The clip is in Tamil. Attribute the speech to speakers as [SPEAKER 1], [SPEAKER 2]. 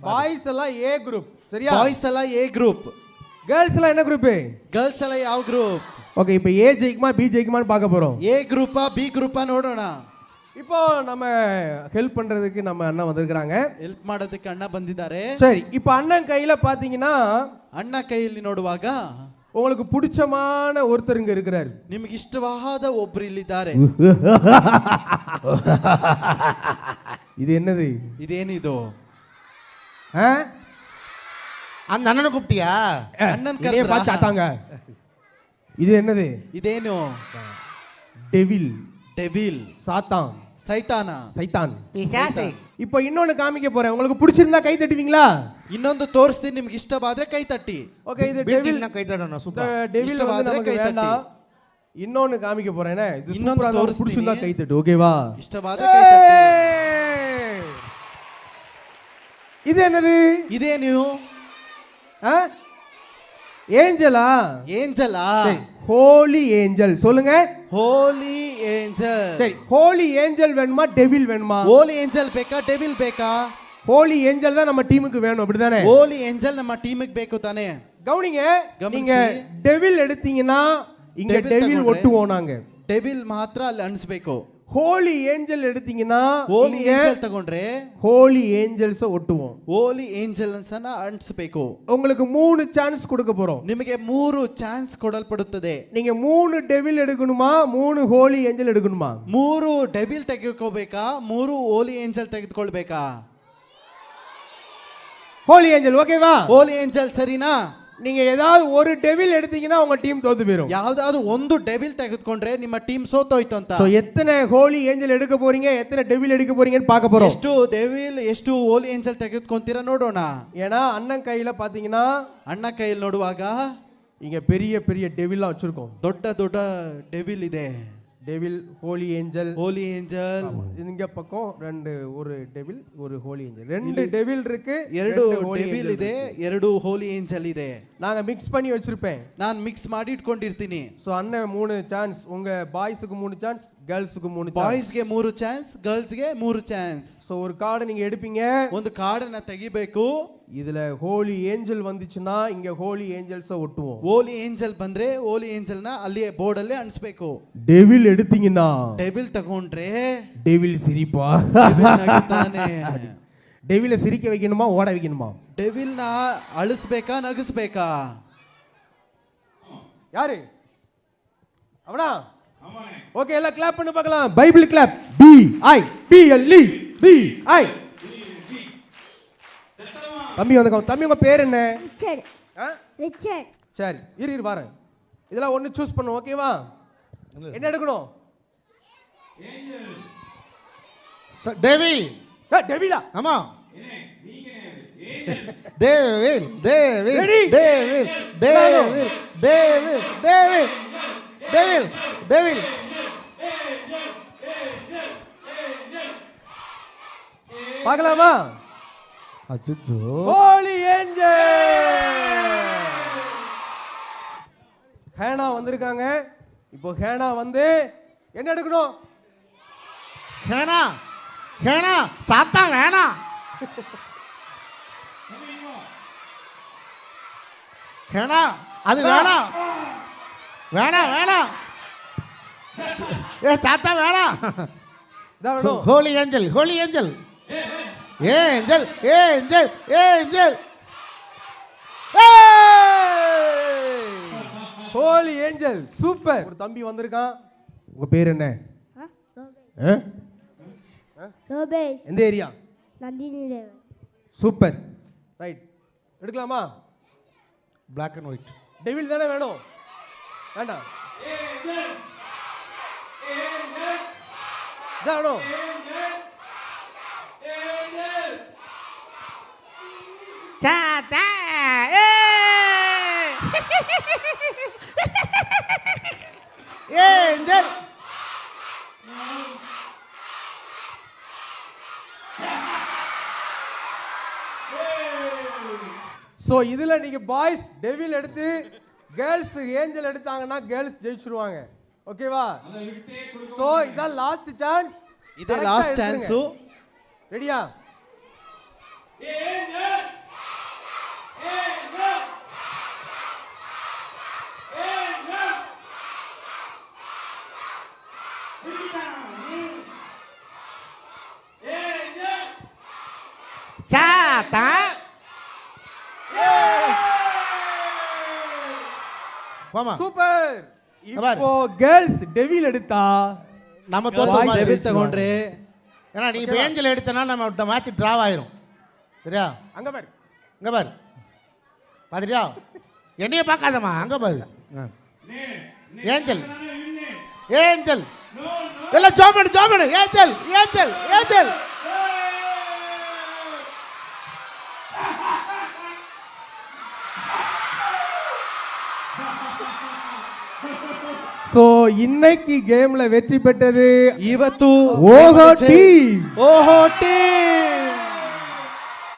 [SPEAKER 1] பாய்ஸ் எல்லாம் ஏ குரூப் சரியா?
[SPEAKER 2] பாய்ஸ் எல்லாம் ஏ குரூப்.
[SPEAKER 1] கேர்ள்ஸ் எல்லாம் என்ன குரூப்?
[SPEAKER 2] ಗರ್ಲ್ಸ್ ಎಲ್ಲ ಯಾವ ಗ್ರೂಪ್?
[SPEAKER 1] ஓகே, இப்போ ஏ ஜெயிக்குமா பி ஜெயிக்குமான்னு பார்க்க போறோம்.
[SPEAKER 2] ஏ குரூப்பா பி குரூப்பா ನೋಡೋಣ.
[SPEAKER 1] இப்போ நம்ம ஹெல்ப் பண்றதுக்கு நம்ம அண்ணா வந்திருக்காங்க.
[SPEAKER 2] ಹೆಲ್ಪ್ ಮಾಡೋದಕ್ಕೆ ಅಣ್ಣ ಬಂದಿದ್ದಾರೆ.
[SPEAKER 1] சரி, இப்போ அண்ணன் கையில பாத்தீங்கன்னா
[SPEAKER 2] ಅಣ್ಣ ಕೈಯಲ್ಲಿ ನೋಡುವಾಗ
[SPEAKER 1] உங்களுக்கு பிடிச்சமான ஒருத்தர் இங்க இருக்கிறார்.
[SPEAKER 2] ನಿಮಗೆ ಇಷ್ಟವಾದ ಒಬ್ಬರು ಇಲ್ಲಿದ್ದಾರೆ.
[SPEAKER 1] இது என்னது?
[SPEAKER 2] ಇದೇನಿದು?
[SPEAKER 3] அந்த அண்ணனை கூப்பிட்டியா?
[SPEAKER 2] அண்ணன்
[SPEAKER 1] கரையே பாச்சாதாங்க. இது என்னது?
[SPEAKER 2] ಇದೇನು?
[SPEAKER 1] டெவில்.
[SPEAKER 2] டெவில்.
[SPEAKER 1] சாத்தான்.
[SPEAKER 2] சைத்தான.
[SPEAKER 1] சைத்தான்.
[SPEAKER 3] பிசாசு.
[SPEAKER 1] இப்போ இன்னொன்னு காமிக்க போறேன். உங்களுக்கு பிடிச்சிருந்தா கை தட்டுவீங்களா?
[SPEAKER 2] ಇನ್ನೊಂದು ತೋರಿಸಿ, ನಿಮಗೆ ಇಷ್ಟವಾದ್ರೆ ಕೈ ತಟ್ಟಿ.
[SPEAKER 1] ஓகே, இது டெவில்.
[SPEAKER 3] கை தட்டணும். சூப்பர்.
[SPEAKER 1] டெவில் வந்து நமக்கு வேண்டாம். இன்னொன்னு காமிக்க போறேனே. இது சூப்பரா இருக்கு. பிடிச்சிருந்தா கை தட்டு. ஓகேவா?
[SPEAKER 2] ಇಷ್ಟವಾದ್ರೆ ಕೈ ತಟ್ಟಿ.
[SPEAKER 1] இது என்னது?
[SPEAKER 2] ಇದೇನು?
[SPEAKER 1] ஏஞ்சலா?
[SPEAKER 2] ஏஞ்சலா?
[SPEAKER 1] சரி, ஹோலி ஏஞ்சல் சொல்லுங்க.
[SPEAKER 2] Holy angel.
[SPEAKER 1] சரி, ஹோலி ஏஞ்சல் வேணுமா டெவில் வேணுமா?
[SPEAKER 2] ஹோலி ஏஞ்சல் ಬೇಕಾ டெவில் ಬೇಕಾ?
[SPEAKER 1] ஹோலி ஏஞ்சல் தான் நம்ம டீமுக்கு வேணும், அப்படிதானே?
[SPEAKER 2] ஹோலி ஏஞ்சல் நம்ம டீமுக்கு ಬೇಕು ತಾನೆ.
[SPEAKER 1] கவனிங்க, நீங்க டெவில் எடுத்தீங்கன்னா இங்க டெவில் ஒட்டுவோம் நாங்க.
[SPEAKER 2] டெவில் ಮಾತ್ರ ಅಲ್ಲಿ ಅಣಿಸಬೇಕು.
[SPEAKER 1] ஹோலி ஏஞ்சல் எடுத்தீங்கன்னா
[SPEAKER 2] ஹோலி ஏஞ்சல் ತಗೊಂಡ್ರೆ
[SPEAKER 1] ஹோலி ஏஞ்சல்ஸ் ஒட்டுவோம்.
[SPEAKER 2] ஹோಲಿ ಏಂಜಲ್ಸ್ ಅನ್ನು ಅಂಟಿಸಬೇಕು.
[SPEAKER 1] உங்களுக்கு 3 சான்ஸ் கொடுக்க போறோம்.
[SPEAKER 2] ನಿಮಗೆ 3 ಚಾನ್ಸ್ ಕೊಡಲ್ಪಡುತ್ತದೆ.
[SPEAKER 1] நீங்க 3 டெவில் எடுக்கணுமா 3 ஹோலி ஏஞ்சல் எடுக்கணுமா?
[SPEAKER 2] 3 ಡೆವಿಲ್ ತೆಗೆದುಕೋಬೇಕಾ 3 ಹೋಲಿ ಏಂಜಲ್ ತೆಗೆದುಕೊಳ್ಳಬೇಕಾ?
[SPEAKER 1] ஹோலி ஏஞ்சல் ஓகேவா?
[SPEAKER 2] ಹೋಲಿ ಏಂಜಲ್ ಸರಿನಾ?
[SPEAKER 1] நீங்க ஏதாவது ஒரு டெவில் எடுத்தீங்கன்னா உங்க டீம் தோத்து போயிடும்.
[SPEAKER 2] ಯಾವುದಾದರೂ ಒಂದು ಡೆವಿಲ್ ತೆಗೆದುಕೊಂಡ್ರೆ ನಿಮ್ಮ ಟೀಮ್ ಸೋತೋಯ್ತು ಅಂತ.
[SPEAKER 1] சோ எத்தனை ஹோலி ஏஞ்சல் எடுக்க போறீங்க, எத்தனை டெவில் எடுக்க போறீங்கன்னு பார்க்க போறோம்.
[SPEAKER 2] ಎಷ್ಟು ಡೆವಿಲ್ ಎಷ್ಟು ಹೋಲಿ ಏಂಜಲ್ ತೆಗೆದುಕೊಂತೀರಾ ನೋಡೋಣ.
[SPEAKER 1] ஏனா அண்ணன் கையில பாத்தீங்கன்னா
[SPEAKER 2] ಅಣ್ಣ ಕೈಯಲ್ಲಿ ನೋಡುವಾಗ
[SPEAKER 1] இங்க பெரிய பெரிய டெவில்லாம் வச்சிருக்கோம்.
[SPEAKER 2] ದೊಡ್ಡ ದೊಡ್ಡ ಡೆವಿಲ್ ಇದೆ.
[SPEAKER 1] Devil, holy angel.
[SPEAKER 2] Holy angel.
[SPEAKER 1] இங்க பக்கம் ஒரு டெவில் ஒரு ஹோலி ஏஞ்சல். 2 டெவில் இருக்கு,
[SPEAKER 2] 2 ಡೆವಿಲ್ ಇದೆ, 2 ಹೋಲಿ ಏಂಜಲ್ ಇದೆ.
[SPEAKER 1] நாங்க மிக்ஸ் பண்ணி வச்சிருப்பேன்.
[SPEAKER 2] ನಾನು ಮಿಕ್ಸ್ ಮಾಡಿ ಇಟ್ಕೊಂಡಿರ್ತೀನಿ.
[SPEAKER 1] சோ அண்ணன் 3 சான்ஸ், உங்க பாய்ஸ்க்கு 3 சான்ஸ், கேர்ள்ஸ்க்கு 3 சான்ஸ்.
[SPEAKER 2] ಬಾಯ್ಸ್ಗೆ 3 ಚಾನ್ಸ್, ಗರ್ಲ್ಸ್ಗೆ 3 ಚಾನ್ಸ್.
[SPEAKER 1] சோ ஒரு கார்டு நீங்க எடுப்பீங்க.
[SPEAKER 2] ಒಂದು ಕಾರ್ಡನ್ನ ತೆಗಿಬೇಕು.
[SPEAKER 1] இதுல ஹோலி ஏஞ்சல் வந்துச்சுன்னா இங்க ஹோலி ஏஞ்சல்ஸ ஒட்டுவோம்.
[SPEAKER 2] ಹೋಲಿ ಏಂಜಲ್ ಬಂದ್ರೆ ಹೋಲಿ ಏಂಜಲ್ನ ಅಲ್ಲಿ ಬೋರ್ಡ್ ಅಲ್ಲಿ ಅಂಟಿಸಬೇಕು.
[SPEAKER 1] டெவில் எடுத்தீங்கன்னா
[SPEAKER 2] ಡೆವಿಲ್ ತಗೊಂಡ್ರೆ
[SPEAKER 1] டெவில் சிரிப்பா.
[SPEAKER 2] ನಗುತ್ತಾನೆ.
[SPEAKER 1] டெவில சிரிக்க வைக்கணுமா ஓட வைக்கணுமா?
[SPEAKER 2] ಡೆವಿಲ್ ನ ಅಳಿಸಬೇಕಾ ನಗಿಸಬೇಕಾ?
[SPEAKER 1] யாரு அவனா? ஓகே, எல்லாம் கிளாப் பண்ணி பார்க்கலாம். Bible clap. B I B L E B I. தம்பி வந்து தம்பி, உங்க பேர் என்ன?
[SPEAKER 4] ரிச்சர்ட். ரிச்சர்ட்.
[SPEAKER 1] சரி, இரு வரேன். இதெல்லாம் ஒன்னு சூஸ் பண்ணு, ஓகேவா? என்ன எடுக்கணும்?
[SPEAKER 3] டெவில்.
[SPEAKER 1] டெவிலா?
[SPEAKER 3] ஆமா. Devil devil devil devil devil devil devil devil.
[SPEAKER 1] பார்க்கலாமா?
[SPEAKER 3] அச்சச்சோ.
[SPEAKER 1] Holy angel. ஹேனா வந்திருக்காங்க. இப்போ ஹேனா வந்து என்ன எடுக்கணும்?
[SPEAKER 3] ஹேனா ஹேனா சாத்தா வேணாம். ஹேனா அது வேணாம் வேணாம் வேணாம். ஏ சாத்தா வேணாம்.
[SPEAKER 1] இதான் வேணும்.
[SPEAKER 3] Holy angel holy angel angel angel angel.
[SPEAKER 1] Holy angel super. ஒரு தம்பி வந்திருக்கான். உங்க பேர் என்ன?
[SPEAKER 4] ரோபேஷ்.
[SPEAKER 1] எந்த area?
[SPEAKER 4] Nandini Devan.
[SPEAKER 1] Super. Right, எடுக்கலாமா?
[SPEAKER 3] Black and white.
[SPEAKER 1] டெவில் தானே வேணும்? வேண்டாம், இதான் வேணும்.
[SPEAKER 3] சாத்தா ஏஞ்சல்.
[SPEAKER 1] சோ இதுல நீங்க பாய்ஸ் டெவில் எடுத்து கேர்ள்ஸ் ஏஞ்சல் எடுத்தாங்கன்னா கேர்ள்ஸ் ஜெயிச்சிருவாங்க. ஓகேவா? சோ இதான் லாஸ்ட் சான்ஸ்.
[SPEAKER 2] இதே லாஸ்ட் சான்ஸ்.
[SPEAKER 1] ரெடியா?
[SPEAKER 3] சாத்தா போமா
[SPEAKER 1] ಸೂಪರ್
[SPEAKER 3] பாரு.
[SPEAKER 1] இப்போ கேர்ள்ஸ் டெவில் எடுத்தா
[SPEAKER 3] நம்ம
[SPEAKER 1] Boys
[SPEAKER 3] தோத்து
[SPEAKER 2] ಡೆವಿಲ್ ತಗೊಂಡ್ರೆ
[SPEAKER 3] ஏன்னா நீ இப்போ ஏஞ்சல் எடுத்தனா நம்ம மேட்ச் டிராவ் ஆயிரும் சரியா
[SPEAKER 1] அங்க பாரு
[SPEAKER 3] இங்க பாரு பாத்துறியா என்னைய பார்க்காதம்மா அங்க பாரு ஏஞ்சல் ஏஞ்சல் எல்லாம் ஜோமேடு ஏஞ்சல் ஏஞ்சல் ஏஞ்சல்
[SPEAKER 1] சோ இன்னைக்கு கேம்ல வெற்றி பெற்றது
[SPEAKER 2] ಇವತ್ತು
[SPEAKER 1] ஓஹோ டீம்
[SPEAKER 2] ಓಹೋ ಟೀಮ್